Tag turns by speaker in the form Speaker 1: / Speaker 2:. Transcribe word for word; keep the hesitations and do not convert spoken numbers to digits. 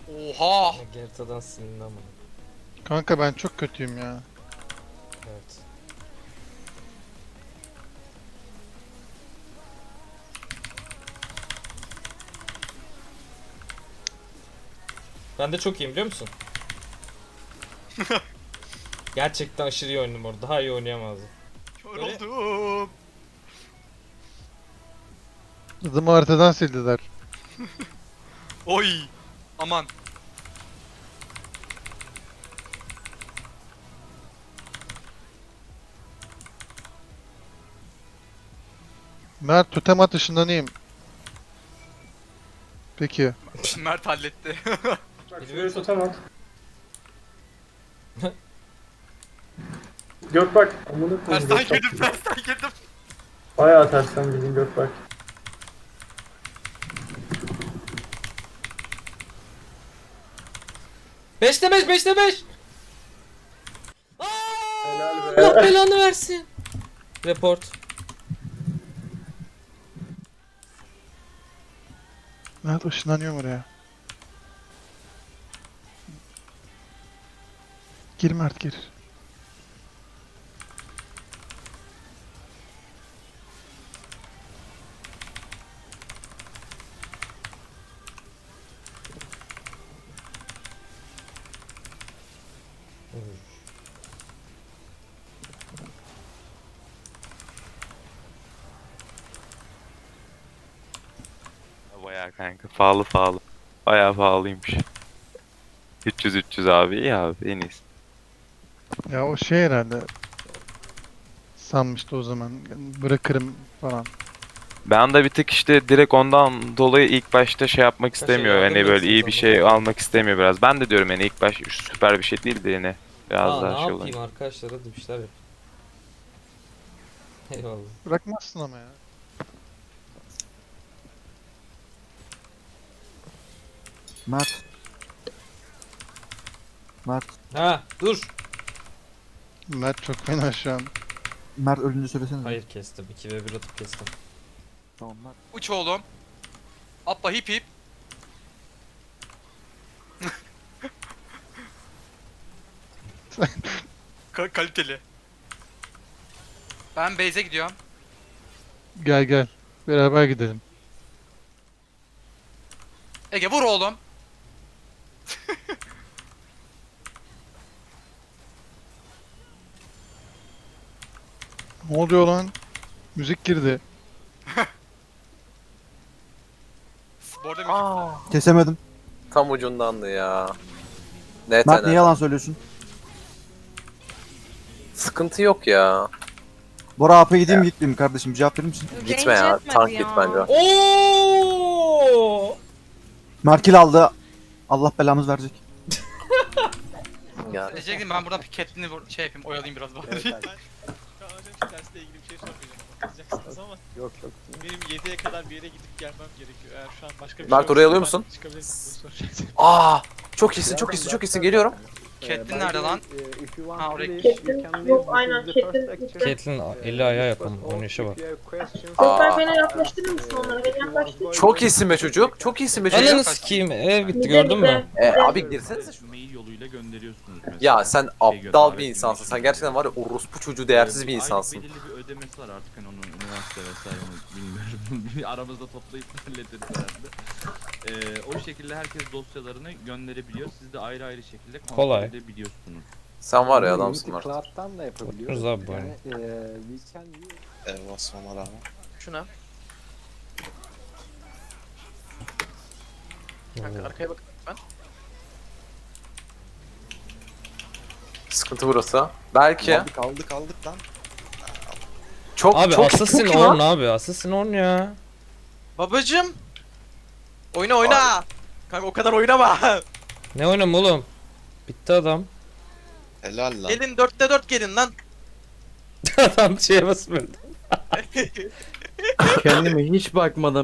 Speaker 1: Oha!
Speaker 2: Gerta'dan silindi ama.
Speaker 3: Kanka ben çok kötüyüm ya.
Speaker 2: Evet. Ben de çok iyiyim biliyor musun? Gerçekten aşırı iyi oynadım orada. Daha iyi oynayamazdım.
Speaker 1: Kör
Speaker 2: Böyle-
Speaker 1: oldum.
Speaker 3: Adımı haritadan sildiler.
Speaker 1: Oy! Aman.
Speaker 3: Mert totem at ışınlanayım. Peki.
Speaker 1: Mert halletti.
Speaker 4: Bak şuraya totem at. Gökbak. Amına koyayım.
Speaker 1: tersten
Speaker 4: Gökbak.
Speaker 1: girdim, tersten girdim.
Speaker 4: Bayağı tersten bildin Gökbak.
Speaker 2: beşte beş, beşte beş.
Speaker 4: Helal
Speaker 2: Allah
Speaker 4: be.
Speaker 2: belanı versin. Report.
Speaker 3: Mert ışınlanıyorum oraya. Gir Mert gir.
Speaker 5: Bayağı kanka pahalı pahalı. Bayağı pahalıymış. üç yüz üç yüz abi iyi abi en iyisi.
Speaker 3: Ya o şey herhalde. Sanmıştı o zaman. Bırakırım falan.
Speaker 5: Ben de bir tık işte direkt ondan dolayı ilk başta şey yapmak
Speaker 2: şey
Speaker 5: istemiyor.
Speaker 2: yardım
Speaker 5: Hani böyle iyi
Speaker 2: ediyorsunuz
Speaker 5: bir
Speaker 2: ama.
Speaker 5: şey almak istemiyor biraz. Ben de diyorum yani ilk baş süper bir şey değildi yine. Biraz
Speaker 2: Aa,
Speaker 5: daha
Speaker 2: ne
Speaker 5: şey
Speaker 2: yapayım
Speaker 5: olan.
Speaker 2: arkadaşlar, hadi bir şeyler yap. Eyvallah.
Speaker 3: Bırakmazsın ama ya.
Speaker 6: Mert. Mert.
Speaker 2: Ha dur.
Speaker 3: Mert çok fena şu an.
Speaker 6: Mert ölünce söylesene.
Speaker 2: Hayır kestim. iki ve bir atıp kestim.
Speaker 6: Tamam Mert.
Speaker 1: Uç oğlum. Atla hip hip. Ka kaliteli. Ben base'e gidiyorum.
Speaker 3: Gel gel. Beraber gidelim.
Speaker 1: Ege vur oğlum.
Speaker 3: Ne oluyor lan? Müzik girdi.
Speaker 1: Bu arada müzik-
Speaker 6: Kesemedim.
Speaker 7: Tam ucundandı ya. Net
Speaker 6: Mert niye
Speaker 7: net.
Speaker 6: yalan söylüyorsun?
Speaker 7: Sıkıntı yok ya.
Speaker 6: Bora A P gideyim mi gitmeyeyim kardeşim? Cevap verir misin?
Speaker 7: Gitme ya. Tank git bence.
Speaker 2: Oo!
Speaker 6: Mert kill aldı. Allah belamız verecek.
Speaker 7: Yani.
Speaker 1: Diyecektim ben buradan Catelyn'i vur- şey yapayım, oyalayayım biraz bari.
Speaker 8: Ben hocam şu dersle ilgili bir şey sormayacağım. Kızacaksınız ama
Speaker 4: Yok yok.
Speaker 8: benim yediye kadar bir yere gidip gelmem gerekiyor. Eğer şu an başka bir
Speaker 7: Mert,
Speaker 8: şey
Speaker 7: oraya alıyor
Speaker 8: olursa
Speaker 7: musun?
Speaker 8: ben çıkabilirsiniz, bunu soracaktım.
Speaker 7: Aa, çok iyisin, çok iyisin, çok iyisin. Geliyorum.
Speaker 1: Catelyn nerede lan? Ha oraya
Speaker 9: Catelyn yok aynen Catelyn gitti.
Speaker 2: Caitlyn eli ayağa yakın. Oynayışa bak.
Speaker 9: Gökber beni yaklaştırır mısın onlara? Beni yaklaştır.
Speaker 7: Çok iyisin be çocuk. Çok iyisin be çocuk.
Speaker 2: Ananı sikeyim. Ev gitti gördün mü?
Speaker 7: E, abi girsenize şu.
Speaker 10: Mail yoluyla gönderiyorsunuz mesela.
Speaker 7: Ya sen
Speaker 10: Şey
Speaker 7: aptal
Speaker 10: gönderiyorsunuz,
Speaker 7: bir insansın. Sen
Speaker 10: şey
Speaker 7: gerçekten var ya orospu çocuğu değersiz bir
Speaker 10: Aylık
Speaker 7: insansın.
Speaker 10: belirli bir ödemesi var artık hani onun üniversite vesaire onu bilmiyorum. Aramızda toplayıp hallederiz herhalde. Ee, o şekilde herkes dosyalarını gönderebiliyor. Siz de ayrı ayrı şekilde kontrol
Speaker 2: Kolay.
Speaker 10: edebiliyorsunuz.
Speaker 7: Sen var ya adamsın Mert.
Speaker 4: Cloud'dan da
Speaker 2: Yapıyoruz abi bu oyunu.
Speaker 1: Şuna. Kanka arkaya bak ben.
Speaker 7: Sıkıntı burası. Belki.
Speaker 4: kaldık aldık lan.
Speaker 7: Çok
Speaker 2: Abi
Speaker 7: çok
Speaker 2: Assassin
Speaker 7: çok iyi lan.
Speaker 2: on abi. Assassin on ya.
Speaker 1: Babacım. Oyna oyna. Kanka o kadar oynama.
Speaker 2: Ne oynam oğlum? Bitti adam.
Speaker 4: Helal lan.
Speaker 1: Gelin dörtte dört gelin lan.
Speaker 2: Adam şeye basmıyor.
Speaker 11: Kendime hiç bakmadan